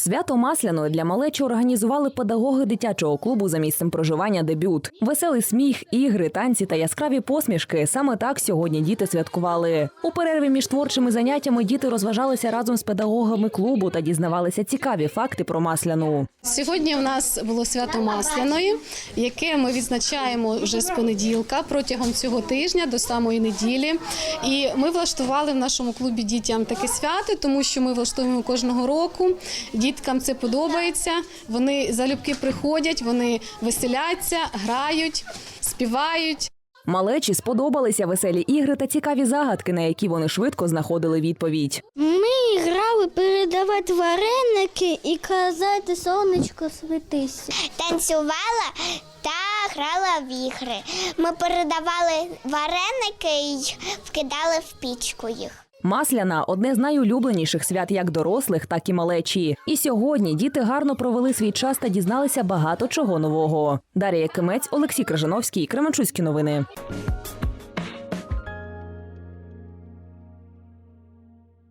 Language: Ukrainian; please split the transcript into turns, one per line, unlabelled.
Свято Масляної для малечі організували педагоги дитячого клубу за місцем проживання «Дебют». Веселий сміх, ігри, танці та яскраві посмішки – саме так сьогодні діти святкували. У перерві між творчими заняттями діти розважалися разом з педагогами клубу та дізнавалися цікаві факти про Масляну.
Сьогодні у нас було свято Масляної, яке ми відзначаємо вже з понеділка протягом цього тижня до самої неділі. І ми влаштували в нашому клубі дітям таке свято, тому що ми влаштовуємо кожного року. Діткам це подобається, вони залюбки приходять, вони веселяться, грають, співають.
Малечі сподобалися веселі ігри та цікаві загадки, на які вони швидко знаходили відповідь.
Ми грали передавати вареники і казати «Сонечко, світися».
Танцювала та грала в ігри. Ми передавали вареники і вкидали в пічку їх.
Масляна – одне з найулюбленіших свят як дорослих, так і малечі. І сьогодні діти гарно провели свій час та дізналися багато чого нового. Дар'я Якимець, Олексій Крижановський, Кременчуцькі новини.